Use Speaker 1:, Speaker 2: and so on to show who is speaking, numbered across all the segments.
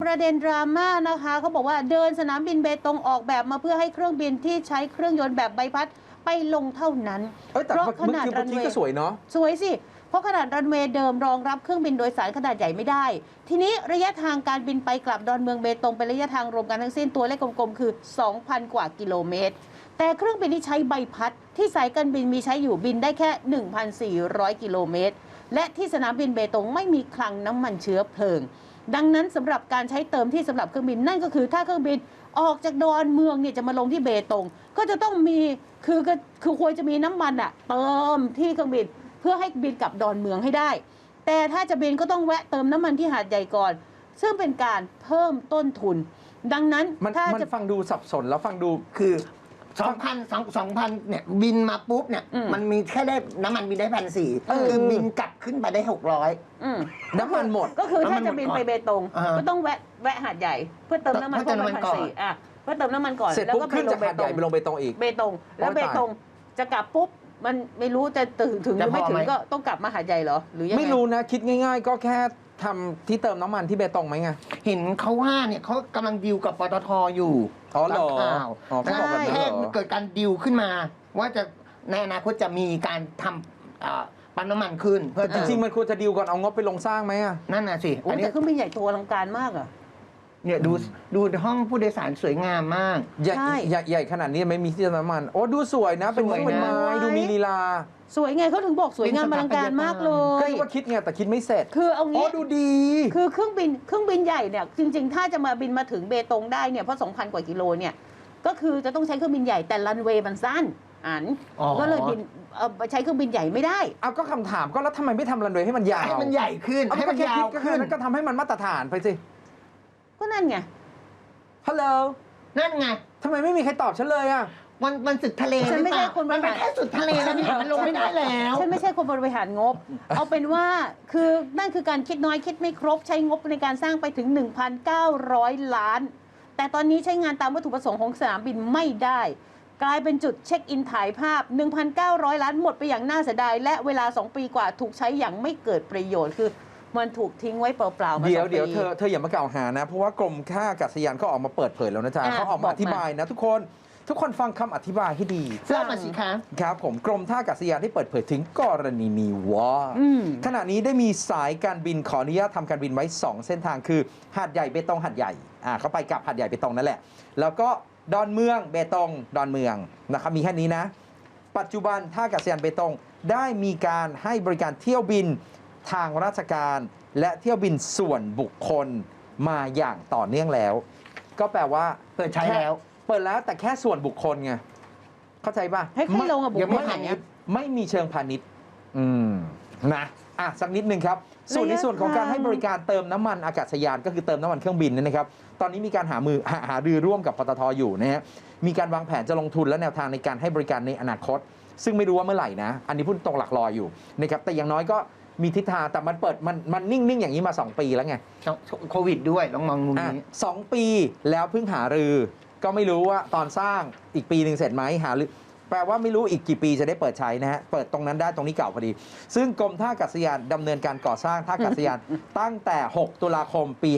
Speaker 1: ประเด็นดราม่านะคะเขาบอกว่าเดินสนามบินเบตงออกแบบมาเพื่อให้เครื่องบินที่ใช้เครื่องยนต์แบบใบพัดไปลงเท่านั้น
Speaker 2: แต่ขนาดรันเวย์ก็สวยเนาะ
Speaker 1: สวยสิเพราะขนาดรันเวย์เดิมรองรับเครื่องบินโดยสารขนาดใหญ่ไม่ได้ทีนี้ระยะทางการบินไปกลับดอนเมืองเบตงเป็นระยะทางรวมกันทั้งสิ้นตัวเลขกลมๆคือ 2,000 กว่ากิโลเมตรแต่เครื่องบินที่ใช้ใบพัดที่สายการบินมีใช้อยู่บินได้แค่ 1,400 กิโลเมตรและที่สนามบินเบตงไม่มีคลังน้ำมันเชื้อเพลิงดังนั้นสำหรับการใช้เติมที่สำหรับเครื่องบินนั่นก็คือถ้าเครื่องบินออกจากดอนเมืองเนี่ยจะมาลงที่เบตงก็จะต้องมีคือควรจะมีน้ำมันอะเติมที่เครื่องบินเพื่อให้บินกลับดอนเมืองให้ได้แต่ถ้าจะบินก็ต้องแวะเติมน้ำมันที่หาดใหญ่ก่อนซึ่งเป็นการเพิ่มต้นทุนดังนั้นถ้าจะ
Speaker 2: ฟังดูสับสนแล้วฟังดู
Speaker 3: คือ2,000เนี่ยบินมาปุ๊บเนี่ยมันมีแค่ได้น้ำมันบินได้1,400คือบินกลับขึ้นไปได้600
Speaker 2: น้ำมันหมด
Speaker 1: ก็คือถ้าจะบินไปเบตงก็ต้องแวะหาดใหญ่เพื่อเติมน้ำมันก่อน1,400เพื่อเติมน้ำมันก่อน
Speaker 2: แล้วก็ขึ้นจากหาดใหญ่ไปลงเบตงอีก
Speaker 1: เบตงแล้วเบตงจะกลับปุ๊บมันไม่รู้จะถึงหรือไม่ถึงก็ต้องกลับมาหาดใหญ่เหรอหรือยังไง
Speaker 2: ไม่รู้นะคิดง่ายๆก็แค่ทำที่เติมน้ำมันที่เบตงไหมไง
Speaker 3: เห็นเขาว่าเนี่ยเขากำลังดีลกับปตทอยู่
Speaker 2: เหรอ
Speaker 3: ใช่แค่เกิดการดีลขึ้นมาว่าจะในอนาคตจะมีการทำปั๊มน้ำมันขึ้น
Speaker 2: เพื่อจริงๆมันควรจะดีลก่อนเอางบไปลงสร้างไหมอ่ะ
Speaker 3: นั่นน่ะสิ
Speaker 1: อันนี้เครื่องบินใหญ่โตอลังการมากอ่ะ
Speaker 3: เนี่ยดูห้องผู้โดยสารสวยงามมาก
Speaker 2: ใหญ่ขนาดนี้ไม่มีที่เติมน้ำมันโอ้ดูสวยนะเป็นไม้ดูมีลีลา
Speaker 1: สวยไงเขาถึงบอกสวยงามอลังการมากเลย
Speaker 2: ก็คิดว่าคิดไงแต่คิดไม่เสร็จ
Speaker 1: คือเอางี้
Speaker 2: ดูดี
Speaker 1: คือเครื่องบินใหญ่เนี่ยจริงๆถ้าจะมาบินมาถึงเบตงได้เนี่ยเพราะ 2,000 กว่ากิโลเนี่ยก็คือจะต้องใช้เครื่องบินใหญ่แต่รันเวย์มันสั้นก็เลยบินใช้เครื่องบินใหญ่ไม่ได้
Speaker 2: เอาก็คำถามก็แล้วทำไมไม่ทำรันเวย์ให้มันยาว
Speaker 3: ให้มันใหญ่ขึ้นให้มันยาวขึ้น
Speaker 2: แล้วก็ทำให้มันมาตรฐานไปสิ
Speaker 1: ก็นั่นไง
Speaker 2: ฮัลโหล
Speaker 3: นั่นไง
Speaker 2: ทำไมไม่มีใครตอบฉันเลยอ่ะ
Speaker 3: มันสุดทะเล
Speaker 1: ฉันไม่ใช่คน
Speaker 3: มันเป็นแค่สุดทะเลแล้วนี่มันลงไม่ได้แล้ว
Speaker 1: ฉันไม่ใช่คนบริหารงบเอาเป็นว่าคือนั่นคือการคิดน้อยคิดไม่ครบใช้งบในการสร้างไปถึง 1,900 ล้านแต่ตอนนี้ใช้งานตามวัตถุประสงค์ของสนามบินไม่ได้กลายเป็นจุดเช็คอินถ่ายภาพ 1,900 ล้านหมดไปอย่างน่าเสียดายและเวลา2 ปีกว่าถูกใช้อย่างไม่เกิดประโยชน์คือมันถูกทิ้งไว้เปล่าๆมา
Speaker 2: เดี๋ยวเธออย่ามากล่าวหานะเพราะว่ากรมท่าอากาศยานก็ออกมาเปิดเผยแล้วนะจ๊ะเขาออกมาอธิบายนะทุกคนฟังคำอธิบายให้ดี
Speaker 3: เล่ามาสิคะ
Speaker 2: ครับผมกรมท่าอากาศยานได้เปิดเผยถึงกรณีนี้ว่าขณะนี้ได้มีสายการบินขออนุญาตทำการบินไว้2เส้นทางคือหาดใหญ่เบตงหาดใหญ่เขาไปกับหาดใหญ่เบตงนั่นแหละแล้วก็ดอนเมืองเบตงดอนเมืองนะครับมีแค่นี้นะปัจจุบันท่าอากาศยานเบตงได้มีการให้บริการเที่ยวบินทางราชการและเที่ยวบินส่วนบุคคลมาอย่างต่อเนื่องแล้วก็แปลว่า
Speaker 3: เปิดใช้แล้ว
Speaker 2: เปิดแล้วแต่แค่ส่วนบุคคลไงเข้าใจป่ะ
Speaker 1: ให้ลงกับบุคคล
Speaker 2: ไม่มีเชิงพาณิชย์นะสักนิดนึงครับส่วนในส่วนของการให้บริการเติมน้ำมันอากาศยานก็คือเติมน้ำมันเครื่องบินนะครับตอนนี้มีการหารือร่วมกับปตทอยู่นะฮะมีการวางแผนจะลงทุนและแนวทางในการให้บริการในอนาคตซึ่งไม่รู้ว่าเมื่อไหร่นะอันนี้พูดตรงหลักลอยอยู่นะครับแต่อย่างน้อยก็มีทิศทางแต่มันเปิดมันนิ่งๆอย่างนี้มา2 ปีแล้วไง
Speaker 3: โควิดด้วยต้องมองมุมนี้
Speaker 2: 2 ปีแล้วเพิ่งหารือก็ไม่รู้ว่าตอนสร้างอีกปีหนึ่งเสร็จไหมหารือแปลว่าไม่รู้อีกกี่ปีจะได้เปิดใช้นะฮะเปิดตรงนั้นได้ตรงนี้เก่าพอดีซึ่งกรมท่าอากาศยานดำเนินการก่อสร้างท่าอากาศยานตั้งแต่6 ตุลาคมปี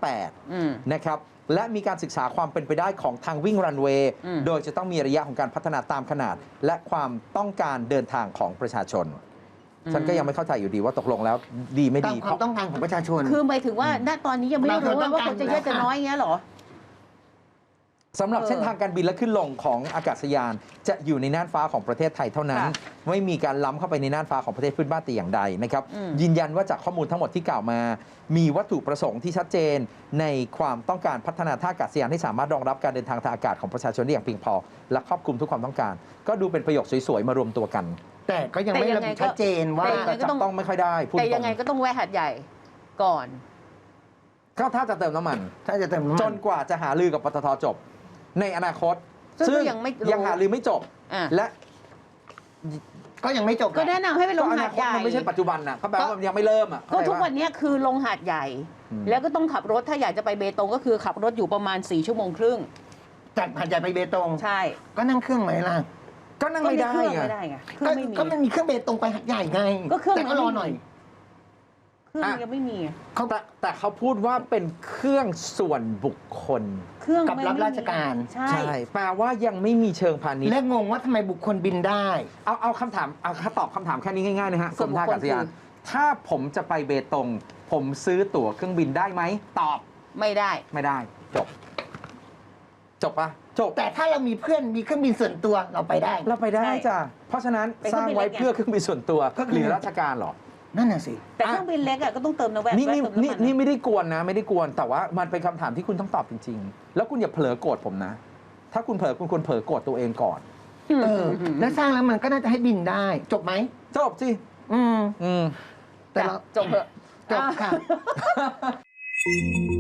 Speaker 2: 58นะครับและมีการศึกษาความเป็นไปได้ของทางวิ่งรันเวย์โดยจะต้องมีระยะของการพัฒนาตามขนาดและความต้องการเดินทางของประชาชนฉันก็ยังไม่เข้าใจอยู่ดีว่าตกลงแล้วดีไม่ดี
Speaker 3: ความต้องการของประชาชน
Speaker 1: คือหมายถึงว่าณตอนนี้ยังไม่รู้ว่าคนจะเยอะจะน้อยอย่างเงี้ยหรอ
Speaker 2: สำหรับเส้นทางการบินและขึ้นลงของอากาศยานจะอยู่ในน่านฟ้าของประเทศไทยเท่านั้นไม่มีการล้ำเข้าไปในน่านฟ้าของประเทศเพื่อนบ้านแต่อย่างใดนะครับยืนยันว่าจากข้อมูลทั้งหมดที่กล่าวมามีวัตถุประสงค์ที่ชัดเจนในความต้องการพัฒนาท่าอากาศยานให้สามารถรองรับการเดินทางทางอากาศของประชาชนได้อย่างเพียงพอและครอบคลุมทุกความต้องการก็ดูเป็นประโยคสวยๆมารวมตัวกัน
Speaker 3: แต่ก็ยังไม่ระบุชัดเจนว่า
Speaker 2: จับต้องไม่ค่อยได้
Speaker 1: แต่ยังไงก็ต้องแวะหาดใหญ่ก่อน
Speaker 2: ก็ถ้าจะเติมน้ำมันจนกว่าจะหารือกับปตทจบในอนาคตซึ่งยังหารือไม่จบและ
Speaker 3: ก็ยังไม่จบ
Speaker 1: ก็แนะนำให้ไปลงหาดใหญ่
Speaker 2: มันไม่ใช่ปัจจุบันนะเขาแปลว่ามันยังไม่เริ่ม
Speaker 1: ก็ทุกวันนี้คือลงหาดใหญ่แล้วก็ต้องขับรถถ้าอยากจะไปเบตงก็คือขับรถอยู่ประมาณ4 ชั่วโมงครึ่ง
Speaker 3: จากหาดใหญ่ไปเบตง
Speaker 1: ใช่
Speaker 3: ก็นั่งเครื่องไหมล่ะ
Speaker 2: ก็นั่งไม่ได้
Speaker 1: ไง
Speaker 3: ก็มันมีเครื่องเบตงไปหาดใหญ่ไง
Speaker 1: ก็เครื่อง
Speaker 3: แต่ก็รอหน่อย
Speaker 1: เคเครื่องยังไม่มี
Speaker 2: แต่เขาพูดว่าเป็นเครื่องส่วนบุคคล
Speaker 1: เครื่อง
Speaker 3: กับ
Speaker 1: ไม่
Speaker 3: รับราชการ
Speaker 1: ใช่
Speaker 2: ใช่ แปลว่ายังไม่มีเชิงพาณิชย์
Speaker 3: และงงว่าทำไมบุคคลบินได้
Speaker 2: เอาคำถามเอาตอบคำถามแค่นี้ง่ายๆนะฮะกรมท่าอากาศยานถ้าผมจะไปเบตง ผมซื้อตั๋วเครื่องบินได้ไหมตอบ
Speaker 1: ไม่ได้
Speaker 2: ไม่ได้ จบปะจบ
Speaker 3: แต่ถ้าเรามีเพื่อนมีเครื่องบินส่วนตัวเราไปได้
Speaker 2: เราไปได้
Speaker 1: ใช่
Speaker 2: จ้ะเพราะฉะนั้น
Speaker 1: เป็น
Speaker 2: สร้างไว้
Speaker 1: เครื่องบินเล็กไง
Speaker 2: เพื่อเครื่องบินส่วนตัว
Speaker 3: ก็คือ
Speaker 2: หรือราชการเหรอ
Speaker 3: นั่นน่ะสิ
Speaker 1: แต่เครื่องบินเล็กอะก็ต้องเติมน้ำแวะ
Speaker 2: นี่
Speaker 1: แวะเติมน้ำมัน
Speaker 2: นี่ไม่ได้กวนนะ ไม่ได้กวนแต่ว่ามันเป็นคำถามที่คุณต้องตอบจริง ๆ แล้วคุณอย่าเผลอโกรธผมนะ ถ้าคุณเผลอคุณควรเผลอโกรธตัวเองก่อน
Speaker 3: แล้วสร้างแล้วมันก็น่าจะให้บินได้ จบไหม
Speaker 2: จบสิ
Speaker 3: อืม
Speaker 2: อืม
Speaker 3: แต่เรา
Speaker 1: จบเถอะ
Speaker 3: จบค่ะ